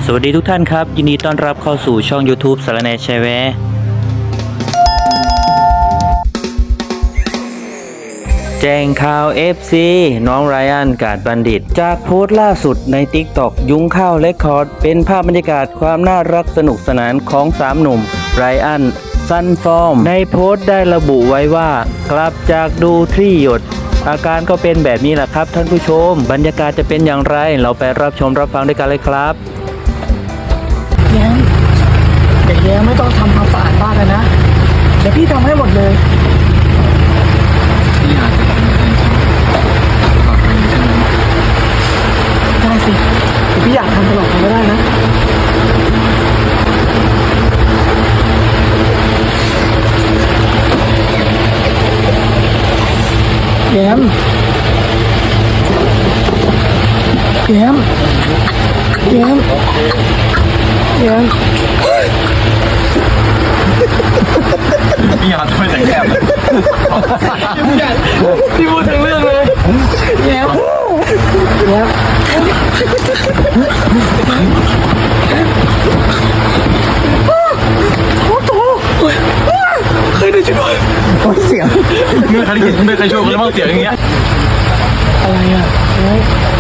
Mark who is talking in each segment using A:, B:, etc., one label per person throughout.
A: สวัสดีทุกท่านครับยินดีต้อนรับเข้าสู่ช่อง YouTube สารแหน่แชร์แวร์แจ้งข่าว FC น้องไรอันกาดบัณฑิตจากโพสต์ล่าสุดใน TikTok ยุ้งข้าวเรคคอร์ดเป็นภาพบรรยากาศความน่ารักสนุกสนานของ3หนุ่มไรอันซันฟอร์มในโพสต์ได้ระบุไว้ว่ากลับจากดูทรี่หยดอาการก็เป็นแบบนี้แหละครับท่านผู้ชมบรรยากาศจะเป็นอย่างไรเราไปรับชมรับฟังด้วยกันเลยครับ
B: แย้มเด็กแย้มไม่ต้องทำความสะอาดบ้านเลยนะเดี๋ยวพี่ทำให้หมดเลย
C: พี่อาจจะเป็นคนทำตลอดไปใช่ไหม
B: ได้สิเดี๋ยวพี่อยากทำตลอดไปไม่ได้นะแย้มแย้มแย้มแย้ม
C: พี่อาจจะไม่แต่งแอบ
B: พี่พูดถึงเรื่องเลยแย้มแย้มโอ้โหเคยได้ช่วยโอ้ยเสียง
C: เมื่อใครได้ยินไม่เคยช่วยคนแล้วบ้างเสียงอย่างเงี้ย
B: อะไรอ่ะเฮ้ย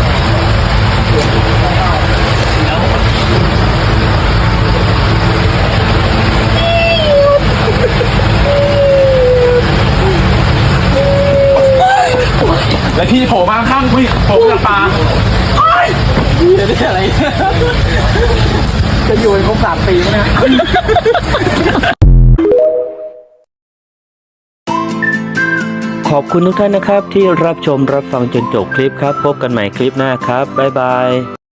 C: แล้วพี่โผล่มาข้างพี่โผล่จากปลาเดี๋ยวได้อะไร
B: จะอยู่ในครบ3 ปีไหมเนี่ย
A: ขอบคุณทุกท่านนะครับที่รับชมรับฟังจนจบคลิปครับพบกันใหม่คลิปหน้าครับบ๊ายบาย